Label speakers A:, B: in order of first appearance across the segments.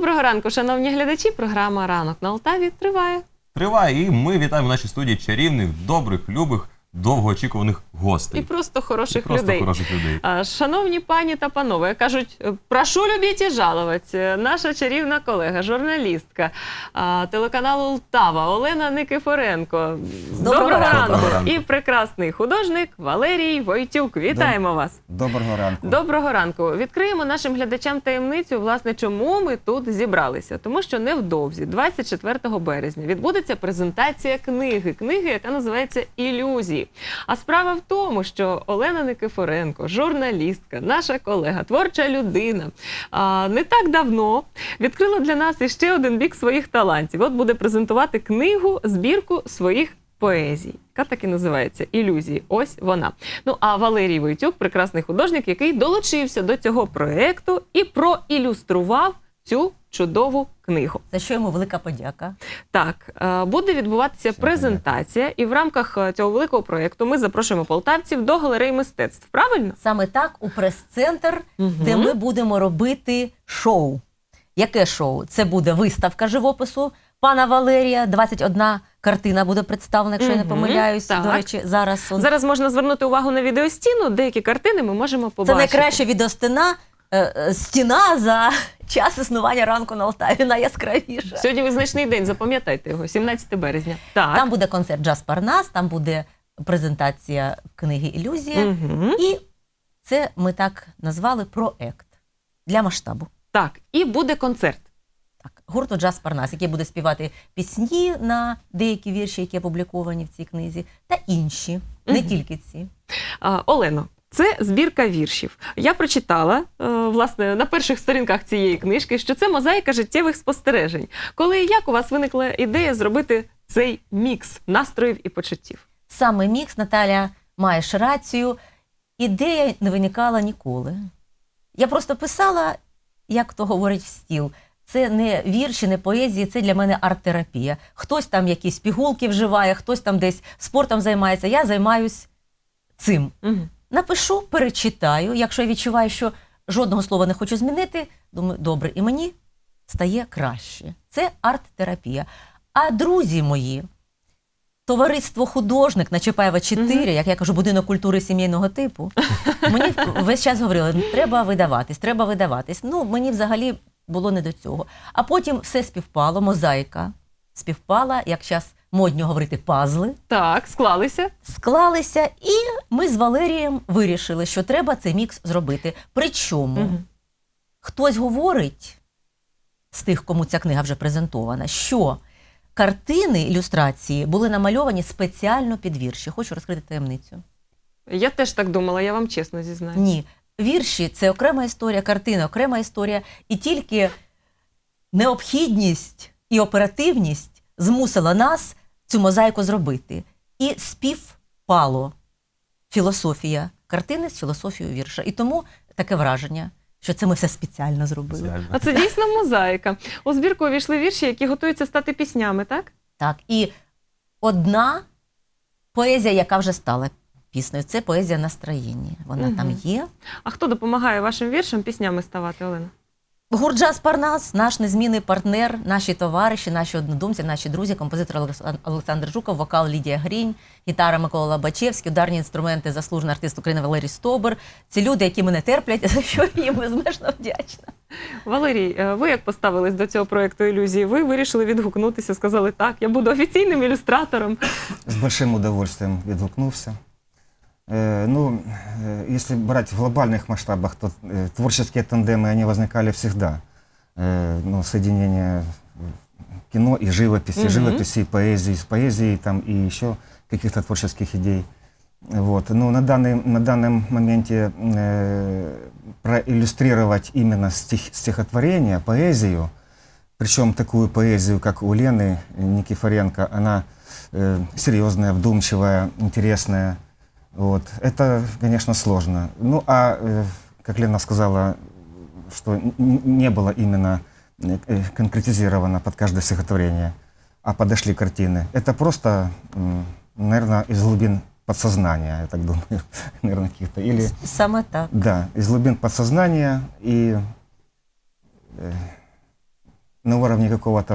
A: Доброго ранку, шановні глядачі. Програма «Ранок на Алтаві» триває.
B: Триває, і ми вітаємо в нашій студії чарівних, добрих, любих, довгоочікуваних гостей.
A: І просто хороших
B: Просто
A: людей.
B: хороших людей.
A: Шановні пані та панове, кажуть, прошу любіть і жалувати. Наша чарівна колега, журналістка телеканалу «Лтава» Олена Никифоренко.
C: Доброго ранку.
A: І прекрасний художник Валерій Войтюк. Вітаємо вас.
C: Доброго ранку.
A: Доброго ранку. Відкриємо нашим глядачам таємницю, власне, чому ми тут зібралися. Тому що невдовзі, 24 березня, відбудеться презентація книги, яка називається «Ілюзії». А справа в тому, що Олена Никифоренко, журналістка, наша колега, творча людина, не так давно відкрила для нас іще один бік своїх талантів. От буде презентувати книгу, збірку своїх поезій, яка так і називається «Ілюзії». Ось вона. Ну, а Валерій Войтюк – прекрасний художник, який долучився до цього проєкту і проілюстрував цю чудову книгу.
C: За що йому велика подяка.
A: Так, буде відбуватися презентація, і в рамках цього великого проєкту ми запрошуємо полтавців до галереї мистецтв. Правильно?
C: Саме так, у прес-центр, де ми будемо робити шоу. Яке шоу? Це буде виставка живопису пана Валерія, 21 картина буде представлена, якщо я не помиляюсь.
A: Так.
C: До речі,
A: Зараз можна звернути увагу на відеостіну, деякі картини ми можемо
C: Це
A: побачити.
C: найкраща відеостіна, стіна за час існування ранку на Алтаві, найяскравіша.
A: Сьогодні визначний день, запам'ятайте його, 17 березня. Так.
C: Там буде концерт «Джаз Парнас», там буде презентація книги «Ілюзія». І це ми так назвали проект для масштабу.
A: Так, і буде концерт.
C: Так, гурту «Джаз Парнас», який буде співати пісні на деякі вірші, які опубліковані в цій книзі, та інші, не тільки ці.
A: Олено, це збірка віршів. Я прочитала, власне, на перших сторінках цієї книжки, що це мозаїка життєвих спостережень. Коли і як у вас виникла ідея зробити цей мікс настроїв і почуттів?
C: Саме мікс, Наталя, маєш рацію, ідея не виникала ніколи. Я просто писала, як то говорить в стіл. Це не вірші, не поезії, це для мене арт-терапія. Хтось там якісь пігулки вживає, хтось там десь спортом займається, я займаюсь цим. Напишу, перечитаю, якщо я відчуваю, що жодного слова не хочу змінити, думаю, добре, і мені стає краще. Це арт-терапія. А друзі мої, товариство «Художник» на Чапаєва 4, як я кажу, будинок культури сімейного типу, мені весь час говорили, треба видаватись, треба видаватись. Ну, мені взагалі було не до цього. А потім все співпало, мозаїка співпала, як зараз модно говорити, пазли.
A: Так, склалися.
C: Склалися, і ми з Валерієм вирішили, що треба цей мікс зробити. Причому хтось говорить, з тих, кому ця книга вже презентована, що картини, ілюстрації були намальовані спеціально під вірші. Хочу розкрити таємницю.
A: Я теж так думала, я вам чесно зізнаюся.
C: Ні. Вірші – це окрема історія, картини – окрема історія. І тільки необхідність і оперативність змусила нас цю мозаїку зробити. І співпало філософія картини з філософією вірша. І тому таке враження, що це ми все спеціально зробили.
A: А це дійсно мозаїка. У збірку увійшли вірші, які готуються стати піснями, так?
C: Так. І одна поезія, яка вже стала піснею, це поезія настроєння. Вона там є.
A: А хто допомагає вашим віршам піснями ставати, Олена?
C: Гурт «Джаз Парнас», наш незмінний партнер, наші товариші, наші однодумці, наші друзі, композитор Олександр Жуков, вокал Лідія Грінь, гітара Микола Лобачевський, ударні інструменти заслужений артист України Валерій Стобер. Це люди, які мене терплять, за що я їм безмежно вдячна.
A: Валерій, ви як поставились до цього проєкту «Ілюзії»? Ви вирішили відгукнутися, сказали, так, я буду офіційним ілюстратором.
D: С большим удовольствием відгукнувся. Ну, если брать в глобальных масштабах, то творческие тандемы, они возникали всегда. Ну, соединение кино и живописи, живописи и поэзии, с поэзией там, и еще каких-то творческих идей. Вот. Ну, на данном моменте проиллюстрировать именно стихотворение, поэзию, причем такую поэзию, как у Лены Никифоренко, она серьезная, вдумчивая, интересная. Вот. Это, конечно, сложно. Ну, а, как Лена сказала, что не было именно конкретизировано под каждое стихотворение, а подошли картины. Это просто, наверное, из глубин подсознания, я так думаю, наверное, каких-то. Или,
C: Саме так.
D: да, из глубин подсознания, и на уровне какого-то,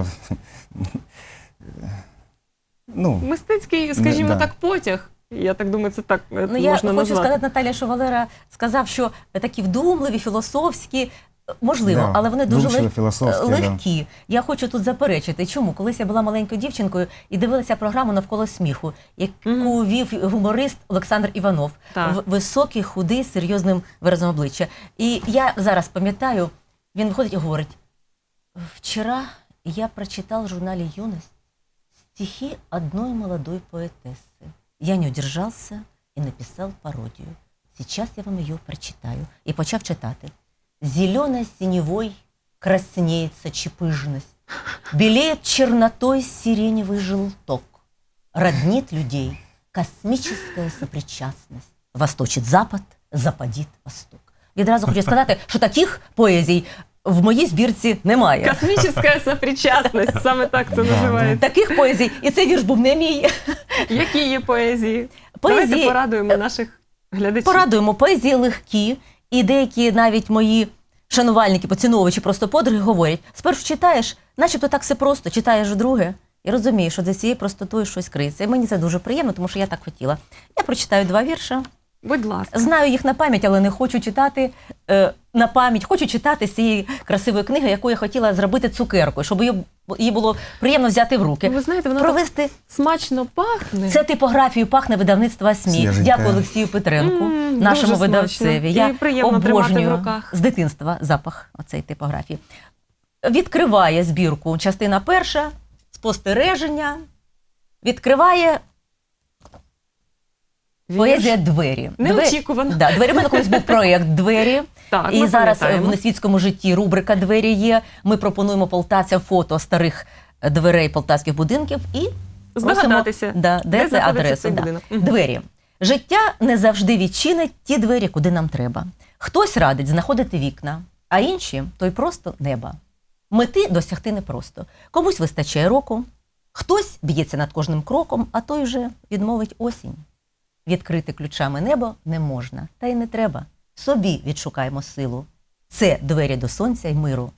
D: ну,
A: Мистецький, скажімо
D: Да.
A: так, потяг. Я так думаю, це так
C: Ну, я
A: можна
C: хочу
A: назвати.
C: сказати, Наталя, що Валера сказав, що такі вдумливі, філософські, можливо,
D: Да,
C: але вони дуже
D: вдумчиві, філософські,
C: легкі. Я хочу тут заперечити. Чому? Колись я була маленькою дівчинкою і дивилася програму «Навколо сміху», яку вів гуморист Олександр Іванов.
A: Так.
C: Високий, худий, з серйозним виразом обличчя. І я зараз пам'ятаю, він виходить і говорить: «Вчера я прочитал в журнале «Юность» стихи одной молодой поэтессы. Я не удержался и написал пародию. Сейчас я вам ее прочитаю». І почав читати. «Зеленой синевой краснеет сочепыжность, белеет чернотой сиреневый желток, роднит людей космическая сопричастность, восточит запад, западит восток». Відразу хочу сказати, що таких поезій в моїй збірці немає.
A: Космічна сопричасність, саме так це
D: Да,
A: називається.
C: Таких поезій, і цей вірш був не мій.
A: Які є поезії?
C: Поезії-
A: Давайте порадуємо наших глядачів.
C: Порадуємо, поезії легкі, і деякі навіть мої шанувальники, поціновувачі, просто подруги говорять: спершу читаєш, начебто так все просто, читаєш вдруге, і розумієш, що за цією простотою щось криється. І мені це дуже приємно, тому що я так хотіла. Я прочитаю 2 вірша.
A: Будь ласка.
C: Знаю їх на пам'ять, але не хочу читати на пам'ять. Хочу читати з цієї красивої книги, яку я хотіла зробити цукеркою, щоб її було приємно взяти в руки.
A: Ви знаєте, вона так
C: Провести
A: смачно пахне.
C: це типографію пахне видавництва СМІ.
D: Свіженька.
C: Дякую Олексію Петренку,
A: Дуже
C: нашому
A: смачно.
C: видавцеві.
A: І
C: Я
A: приємно тримати в
C: обожнюю
A: руках.
C: з дитинства запах оцеї типографії. Відкриває збірку частина 1, спостереження. Відкриває поезія «Двері».
A: Неочікувано.
C: Да, «Двері». У мене колись був проєкт «Двері».
A: Так,
C: І
A: ми
C: зараз
A: пам'ятаємо.
C: в несвітському житті рубрика «Двері» є. Ми пропонуємо полтавцям фото старих дверей полтавських будинків і
A: Здогадатися,
C: де
A: де
C: це
A: знаходиться
C: адреса.
A: цей
C: Да.
A: будинок. Мгм.
C: Двері. Життя не завжди відчинить ті двері, куди нам треба. Хтось радить знаходити вікна, а інші – то й просто неба. Мети досягти непросто. Комусь вистачає року, хтось б'ється над кожним кроком, а той же відмовить осінь. Відкрити ключами небо не можна, та й не треба. Собі відшукаємо силу. Це двері до сонця й миру.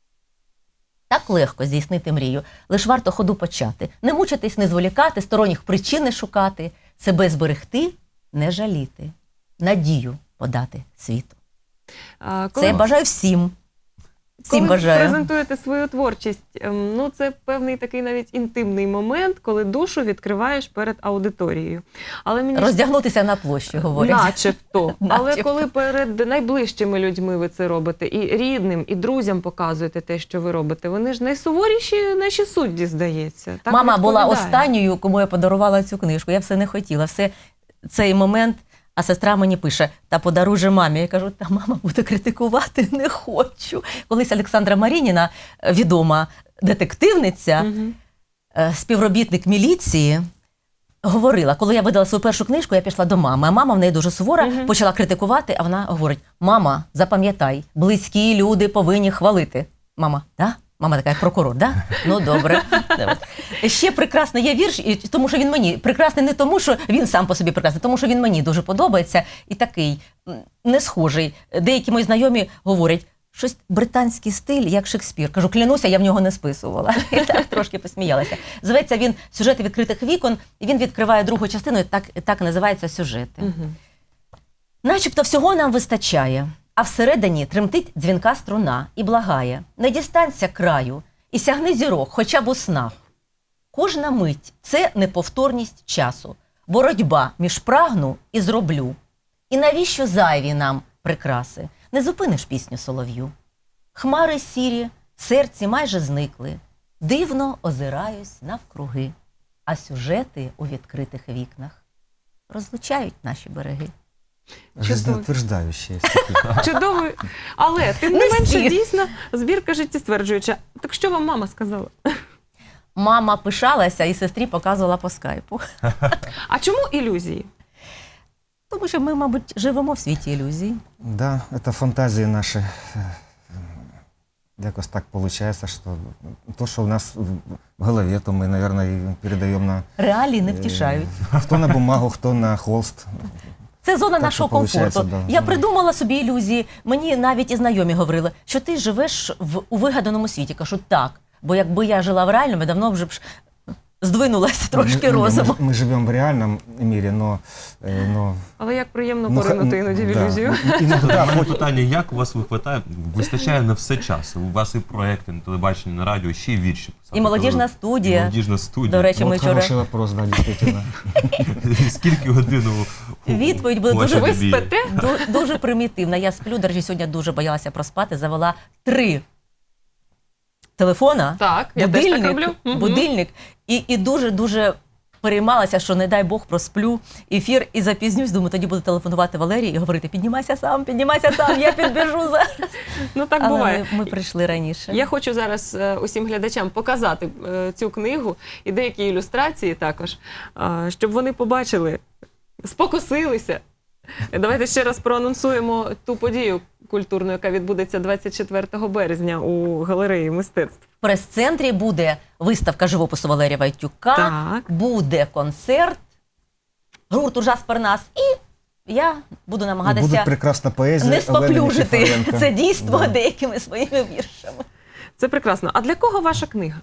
C: Так легко здійснити мрію, лиш варто ходу почати. Не мучитись, не зволікати, сторонніх причин не шукати, себе зберегти, не жаліти, надію подати світу.
A: А,
C: Це я бажаю всім. Всім
A: коли
C: бажаю.
A: презентуєте свою творчість, ну це певний такий навіть інтимний момент, коли душу відкриваєш перед аудиторією. Але мені
C: Роздягнутися на площі, говорять.
A: начебто. Але
C: Начебто.
A: коли перед найближчими людьми ви це робите, і рідним, і друзям показуєте те, що ви робите, вони ж найсуворіші наші судді, здається. Так
C: Мама була
A: відповідає.
C: останньою, кому я подарувала цю книжку. Я все не хотіла. Все цей момент, а сестра мені пише: та подаруй же мамі. Я кажу: та мама буде критикувати, не хочу. Колись Олександра Марініна, відома детективниця,
A: Мгм.
C: співробітник міліції, говорила, коли я видала свою першу книжку, я пішла до мами, а мама в неї дуже сувора,
A: Мгм.
C: почала критикувати, а вона говорить: мама, запам'ятай, близькі люди повинні хвалити. Мама, да? Мама така, як прокурор, да? Ну, добре. Ще прекрасний є вірш, і тому що він мені прекрасний не тому, що він сам по собі прекрасний, тому що він мені дуже подобається і такий не схожий. Деякі мої знайомі говорять: щось британський стиль, як Шекспір. Кажу, клянуся, я в нього не списувала. І так трошки посміялася. Зветься він «Сюжети відкритих вікон», і він відкриває другу частину, і так називається «Сюжети».
A: Мгм.
C: Начебто всього нам вистачає, а всередині тремтить дзвінка струна і благає: не дістанься краю і сягни зірок хоча б у снах. Кожна мить – це неповторність часу, боротьба між прагну і зроблю. І навіщо зайві нам прикраси? Не зупиниш пісню солов'ю. Хмари сірі, в серці майже зникли, дивно озираюсь навкруги, а сюжети у відкритих вікнах розлучають наші береги.
D: Жизнеутверждающие.
A: Чудовий. Але, тим не
C: Не
A: менше,
C: всі.
A: дійсно, збірка життєстверджуюча. Так що вам мама сказала?
C: Мама пишалася і сестрі показувала по скайпу.
A: А чому ілюзії?
C: Тому що ми, мабуть, живемо в світі ілюзій.
D: Да, это фантазии наши. Якось так получается, что то, что у нас в голове, то мы, наверное, и передаем на...
C: Реалії не втішають.
D: Кто на бумагу, кто на холст.
C: Це зона
D: Так
C: нашого
D: що получається,
C: комфорту.
D: да.
C: Я придумала собі ілюзії. Мені навіть і знайомі говорили, що ти живеш у вигаданому світі. Кажу, так. Бо якби я жила в реальному, давно вже б здвинулася трошки розуму.
D: Мы живем в реальном мире, но
A: Але як приємно
D: ну,
A: поринути іноді в
D: да.
A: ілюзію.
D: Иногда
B: Моє питання, як у вас вистачає на все час? У вас і проекти на телебаченні, на радіо, ще й вірші писати.
C: І молодіжна студія.
B: І молодіжна студія.
C: До речі, ми
D: вот
C: вчора...
D: хороший вопрос, да, действительно.
B: Скільки годин
C: Відповідь буде
B: вашій
C: дуже
B: добі?
A: спите?
C: Дуже примітивна. Я сплю, до речі, сьогодні дуже боялася проспати, завела 3 телефона,
A: Так, я теж так роблю. Мгм.
C: будильник, і дуже-дуже переймалася, що не дай Бог просплю ефір і запізнюсь. Думаю, тоді буду телефонувати Валерії і говорити: піднімайся сам, я підбіжу зараз.
A: Ну так
C: Але
A: буває.
C: ми прийшли раніше.
A: Я хочу зараз усім глядачам показати цю книгу і деякі ілюстрації також, щоб вони побачили, спокусилися. Давайте ще раз проанонсуємо ту подію культурну, яка відбудеться 24 березня у галереї мистецтв.
C: В прес-центрі буде виставка живопису Валерія Войтюка,
A: Так.
C: буде концерт гурту «Джаз Парнас», і я буду
D: И
C: намагатися
D: будет прекрасна поэзия
C: не
D: Олени
C: споплюжити
D: Никифоренко.
C: це дійство
D: Да.
C: деякими своїми віршами.
A: Це прекрасно. А для кого ваша книга?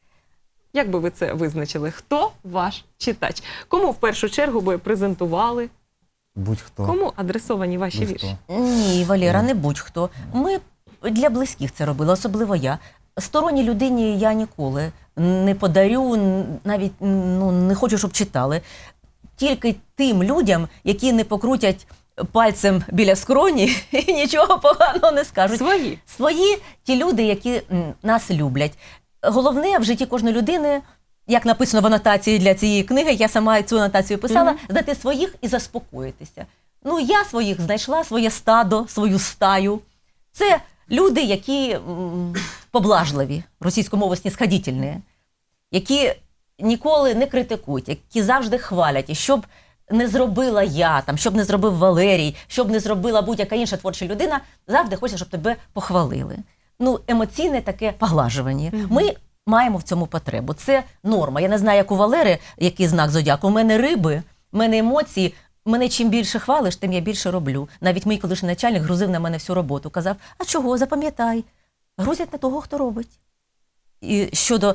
A: Як би ви це визначили? Хто ваш читач? Кому в першу чергу би презентували?
D: Будь-хто.
A: Кому адресовані ваші
D: Будь-хто.
A: вірші?
C: Ні, Валера, не будь-хто. Ми для близьких це робили, особливо я. Сторонній людині я ніколи не подарю, навіть не хочу, щоб читали. Тільки тим людям, які не покрутять пальцем біля скроні і нічого поганого не скажуть.
A: Свої.
C: Свої ті люди, які нас люблять. Головне в житті кожної людини, як написано в анотації для цієї книги, я сама цю анотацію писала, знайти своїх і заспокоїтися. Ну, я своїх знайшла, своє стадо, свою стаю. Це люди, які поблажливі, російською мовою снисходительні, які ніколи не критикують, які завжди хвалять. І щоб не зробила я, щоб не зробив Валерій, щоб не зробила будь-яка інша творча людина, завжди хочеться, щоб тебе похвалили. Ну, емоційне таке поглажування. Ми маємо в цьому потребу. Це норма. Я не знаю, як у Валери, який знак зодіаку. У мене риби, у мене емоції. Мене чим більше хвалиш, тим я більше роблю. Навіть мій колишній начальник грузив на мене всю роботу. Казав: а чого, запам'ятай, грузять на того, хто робить. І щодо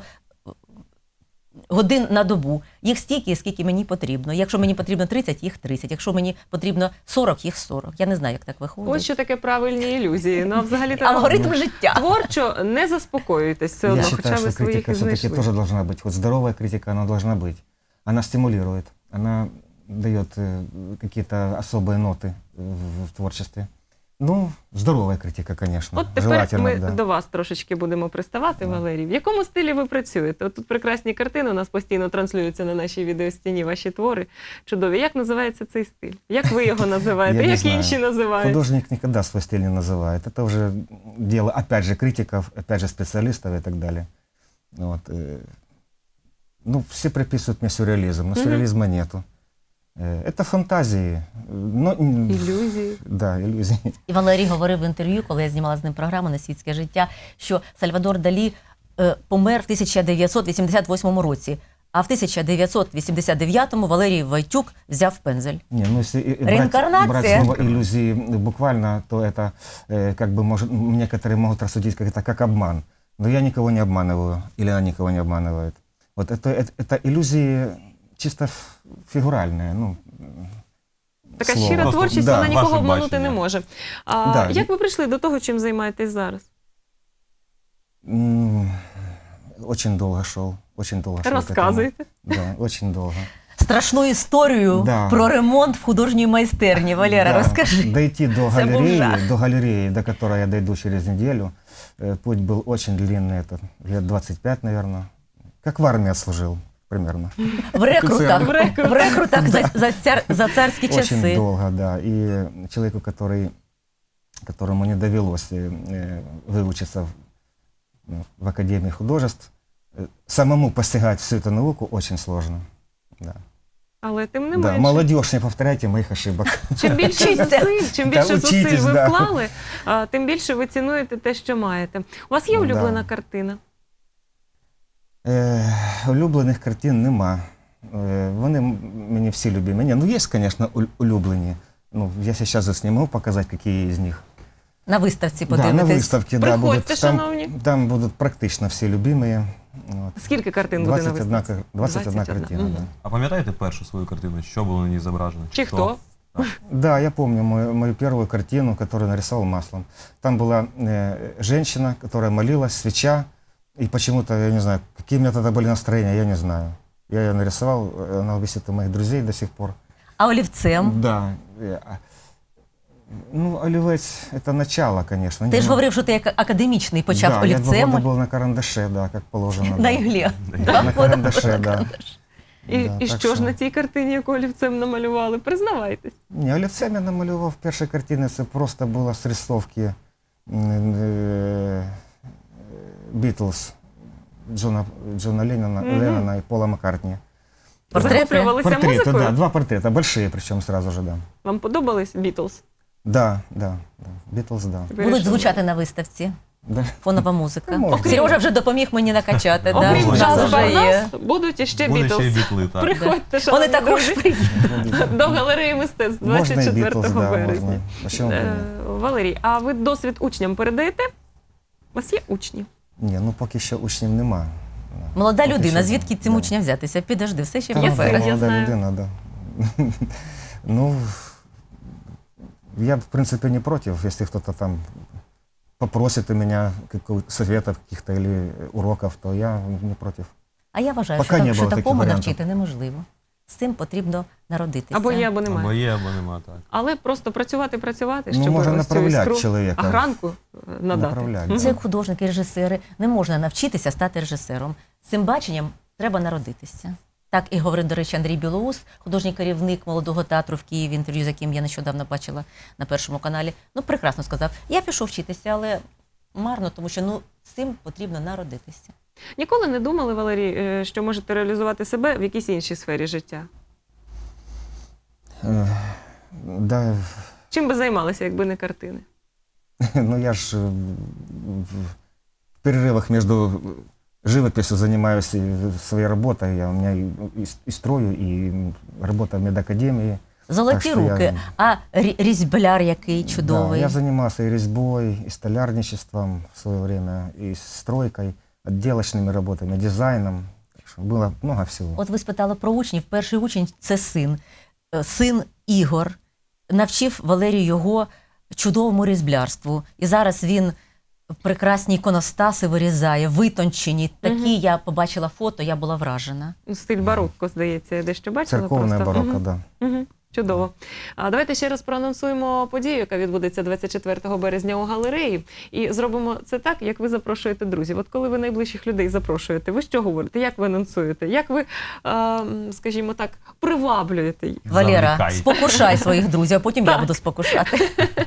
C: годин на добу, їх стільки, скільки мені потрібно. Якщо мені потрібно 30, їх 30. Якщо мені потрібно 40, їх 40. Я не знаю, як так виходить.
A: Ось що таке правильні ілюзії. Ну, а взагалі
C: Алгоритм життя.
A: творчо не заспокоюйтесь все одно,
D: Я
A: хоча
D: считаю,
A: ви
D: что
A: своїх
D: критика
A: і
D: все-таки
A: знайшли.
D: тоже должна быть. Вот здоровая критика, она должна быть. Она стимулирует, она дает какие-то особые ноты в творчестве. Ну, здоровая критика, конечно.
A: От тепер
D: Желательно,
A: ми
D: да.
A: до вас трошечки будемо приставати, Валерій. В якому стилі ви працюєте? От тут прекрасні картини у нас постійно транслюються на нашій відеостіні, ваші твори чудові. Як називається цей стиль? Як ви його називаєте?
D: Я не
A: Як
D: знаю.
A: інші називають?
D: Художник никогда свой стиль не называет. Это уже дело, опять же, критиков, опять же, специалистов и так далее. Вот. Ну, все приписывают мне сюрреализм, но сюрреализма нету. Это фантазии. Но,
A: Ілюзії.
D: да, иллюзии.
C: І Валерій говорив в інтерв'ю, коли я знімала з ним програму «На світське життя», що Сальвадор Далі помер в 1988 році, а в 1989-му Валерій Войтюк взяв пензель.
D: Не, ну если
C: Реинкарнация.
D: брать слово иллюзии буквально, то это как бы некоторые могут рассудить как это как обман. Но я никого не обманываю, или она никого не обманывает. Вот это иллюзии чисто фигуральные. Ну,
A: Така
D: слово.
A: щира
B: Просто,
A: творчість,
D: да,
A: вона нікого
B: ваше
A: обманути
B: бачення.
A: не може.
D: Да.
A: Як ви прийшли до того, чим займаєтесь зараз?
D: Очень долго шел, очень долго шел. к этому.
A: Розказуйте.
D: Да, очень долго.
C: Страшну історію
D: Да.
C: про ремонт в художній майстерні. Валера,
D: Да,
C: розкажи.
D: Дойти
C: Это был жах.
D: до галереи, до которой я дойду через неделю. Путь был очень длинный, это лет 25, наверное. Как в армии отслужил, примерно.
C: В рекрутах,
A: В
C: в рекрутах за царські
D: Очень
C: часи.
D: долго, да. И человеку, которому не довелось выучиться в Академии художеств, самому постигать всю эту науку очень сложно. Да.
A: Але тим не
D: Да,
A: менше.
D: молодежь, не повторяйте моих ошибок.
A: Чим більше
C: Вчіться.
A: зусиль, чим
D: Та
A: більше зусиль
D: учітесь,
A: ви
D: да.
A: вклали, тим більше ви цінуєте те, що маєте. У вас є
D: Ну,
A: улюблена
D: да.
A: картина?
D: Улюблених картин нема. Вони мені всі любимі. Ні, ну є, звісно, улюблені. Ну, я зараз не можу показати, які з них.
C: На виставці
D: Да, на
C: подивитись.
D: выставке, да,
A: Приходьте,
D: будут,
A: шановні.
D: там будут практично все любимые. Вот.
A: Скільки картин буде на
D: 21,
A: виставці?
D: 21 картина,
A: Мгм.
D: да.
B: А пам'ятаєте першу свою картину? Що було на ній зображено?
A: Чи хто?
D: Да, я помню мою первую картину, которую нарисовал маслом. Там была женщина, которая молилась, свеча, и почему-то, я не знаю, какие у меня тогда были настроения, я не знаю. Я ее нарисовал, она висит у моих друзей до сих пор.
C: А олівцем?
D: Да. Ну, олівець – это начало, конечно.
C: Ти ж
D: Ну,
C: говорив, що ти як академічний почав
D: да, я 2
C: олівцем.
D: года был на карандаше, да, как положено.
C: На
D: да.
C: іглі.
D: На карандаше, да.
A: І,
D: Да,
A: і
D: так
A: що ж
D: що-
A: на цій картині, яку олівцем намалювали? Признавайтесь.
D: Не, олівцем я намалював перші картини, це просто було з рисовки Бітлз, Джона Леннона і Пола Маккартні.
C: Портрети?
A: Захоплювалися
D: Портреты,
A: музикою?
D: да, 2 портрета, большие причем сразу же, да.
A: Вам подобались Бітлз?
D: Да, Бітлз, да.
C: Будуть звучати на виставці.
D: Да.
C: Фонова музика.
D: Ну, можна.
C: Сережа вже допоміг мені накачати. Да?
A: Окрім
B: Можна.
A: джаз
C: Вже є.
A: Парнас, будуть іще
B: Буде ще й
A: Бітлз.
B: бітли, так.
A: Приходьте,
C: Вони
A: шановні
C: також
A: друзі,
C: приїдуть.
A: до галереї мистецтв
D: Можна і
A: 24
D: Бітлз, да,
A: березня.
D: можна. Почему бы
A: Е,
D: ні?
A: Валерій, а ви досвід учням передаєте? У вас є учні?
D: Ні, ну поки що учнів нема.
C: Молода
D: Поки
C: людина,
D: що,
C: звідки цим
D: да.
C: учням взятися? Підожди, все ще
D: Та,
A: Я
C: в
A: син,
C: березні.
A: я
D: молода
A: знаю.
D: людина, да. Ну, я, в принципе, не против, если кто-то там попросит у меня советов каких-то или уроков, то я не против.
C: А я вважаю,
D: Поки не
C: що
D: було таких
C: такому
D: варіантів.
C: навчити неможливо. З цим потрібно народитися.
A: Або є, або немає.
B: Або є, або нема, так.
A: Але просто працювати,
D: Ну,
A: щоб
D: можна
A: ось цю
D: направляти
A: іскру,
D: чоловіка.
A: гранку надати.
D: Направляти.
A: Мгм.
C: Це як художники, режисери. Не можна навчитися стати режисером. З цим баченням треба народитися. Так і говорить, до речі, Андрій Білоус, художній керівник молодого театру в Києві, інтерв'ю з яким я нещодавно бачила на Першому каналі. Ну, прекрасно сказав. Я пішов вчитися, але марно, тому що з цим потрібно народитися.
A: Ніколи не думали, Валерій, що можете реалізувати себе в якійсь іншій сфері життя?
D: Да,
A: Чим би займалися, якби не картини?
D: ну я ж в перерывах между живописью занимаюсь своей работой. У меня и строю, и работа в медакадемии.
C: Золоті
D: Так що я-
C: руки, а різьбляр який чудовий.
D: Да, я занимался и резьбой, и столярничеством в свое время, и стройкой, отделочными работами, дизайном. Так что было много всего.
C: От ви спитали про учнів. Перший учень – це син. Син Ігор навчив Валерію його чудовому різьблярству. І зараз він прекрасні іконостаси вирізає, витончені. Такі я побачила фото, я була вражена.
A: Стиль барокко, здається, я дещо бачила.
D: Церковное
A: просто.
D: барокко,
A: Мгм.
D: да.
A: Мгм. Чудово. А давайте ще раз проанонсуємо подію, яка відбудеться 24 березня у галереї. І зробимо це так, як ви запрошуєте друзів. От коли ви найближчих людей запрошуєте, ви що говорите? Як ви анонсуєте? Як ви, скажімо так, приваблюєте їх?
C: Валера,
B: Замикай.
C: спокушай своїх друзів, а потім я буду спокушати.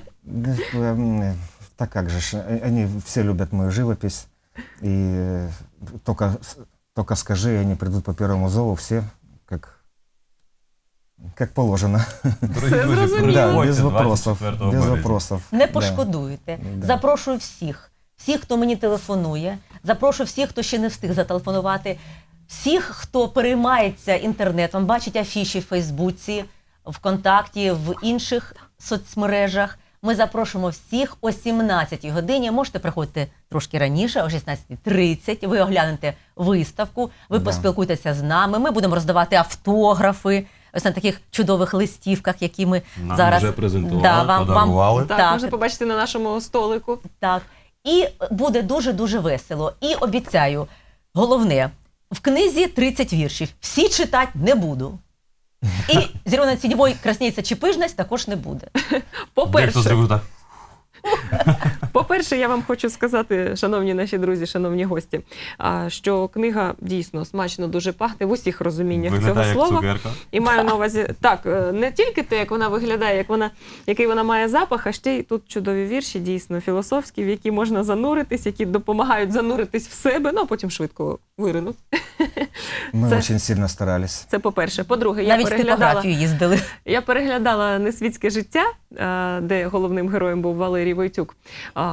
D: Так как же, они все любят мою живопись, и только скажи, и они придут по первому зову, все как положено.
B: Дорогі
A: Все
B: друзі,
A: зрозуміло.
D: Да,
B: приходьте
D: без вопросов,
B: 24
D: без
B: березня.
D: вопросов.
C: Не
D: Да.
C: пошкодуєте.
D: Да.
C: Запрошую всіх. Всіх, хто мені телефонує. Запрошую всіх, хто ще не встиг зателефонувати. Всіх, хто переймається інтернетом, бачить афіші в Фейсбуці, ВКонтакті, в інших соцмережах. Ми запрошуємо всіх о 17-й годині. Можете приходити трошки раніше, о 16:30. Ви оглянете виставку, ви
D: Да.
C: поспілкуєтеся з нами. Ми будемо роздавати автографи ось на таких чудових листівках, які ми
B: Нам
C: зараз
B: вже презентували,
C: Да, вам-
B: подарували.
A: Так,
C: Так.
A: можна побачити на нашому столику.
C: Так. І буде дуже-дуже весело. І обіцяю, головне, в книзі 30 віршів. Всі читати не буду. І «Зелена тіньовой красніється чи пижність» також не буде.
B: Дехто
A: По-перше,
B: зробив так.
A: По-перше, я вам хочу сказати, шановні наші друзі, шановні гості, що книга дійсно смачно дуже пахне в усіх розуміннях
B: Виглядає
A: цього
B: як
A: слова.
B: цукерка.
A: І маю на увазі, так, не тільки те, як вона виглядає, який вона має запах, а ще й тут чудові вірші, дійсно філософські, в які можна зануритись, які допомагають зануритись в себе, ну а потім швидко виринуть.
D: Мы
A: Це-
D: очень сильно старались.
A: Це по-перше. По-друге,
C: Навіть в типографію їздили.
A: я переглядала «Несвітське життя», де головним героєм був Валерій Войтюк.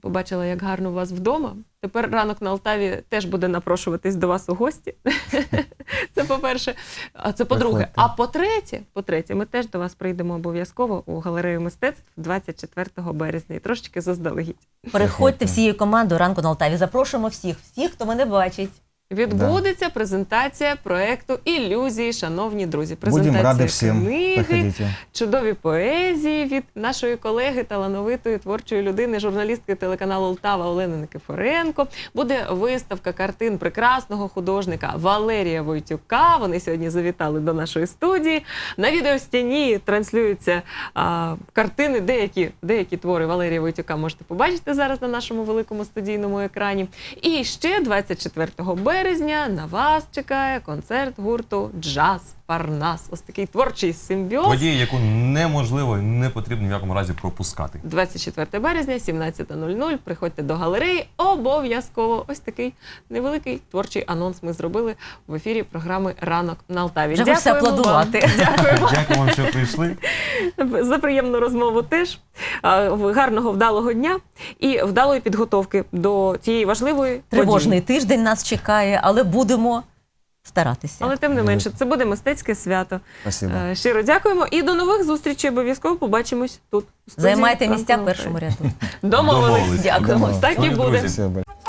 A: побачила, як гарно у вас вдома. Тепер ранок на Алтаві теж буде напрошуватись до вас у гості. Це по-перше. А це по-друге.
D: Приходьте.
A: А по-третє, ми теж до вас прийдемо обов'язково у галерею мистецтв 24 березня. І трошечки заздалегідь.
C: Переходьте всією командою ранку на Алтаві. Запрошуємо всіх, хто мене бачить.
A: Відбудеться презентація проекту «Ілюзії», шановні друзі.
D: Будем
A: Презентація
D: рады всем.
A: книги,
D: Приходите.
A: чудові поезії від нашої колеги, талановитої творчої людини, журналістки телеканалу «Олтава» Олени Никифоренко. Буде виставка картин прекрасного художника Валерія Войтюка. Вони сьогодні завітали до нашої студії. На відеостіні транслюються картини, деякі твори Валерія Войтюка можете побачити зараз на нашому великому студійному екрані. І ще 24 березня на вас чекає концерт гурту «Джаз Парнас». Ось такий творчий симбіоз.
B: Подія, яку неможливо і не потрібно в якому разі пропускати.
A: 24 березня, 17:00. Приходьте до галереї. Обов'язково. Ось такий невеликий творчий анонс ми зробили в ефірі програми «Ранок на Алтаві».
C: Вже хочеться
A: Дякуємо вам.
C: аплодувати.
A: Дякуємо
B: Дякую вам, що прийшли.
A: за приємну розмову теж. Гарного, вдалого дня і вдалої підготовки до цієї важливої
C: Тривожний
A: події.
C: тиждень нас чекає, але будемо старатися.
A: Але тим не менше, це буде мистецьке свято.
D: Спасибо.
A: Щиро дякуємо і до нових зустрічей. Обов'язково побачимось тут. у студії
C: Займайте
A: «Ранку
C: місця
A: на
C: в першому
A: Алтаві».
C: ряду.
A: Домовились.
B: Домовились.
C: Дякуємо.
D: Домовились.
A: Так і
B: Дорогі
A: буде.
B: друзі.
D: Спасибо.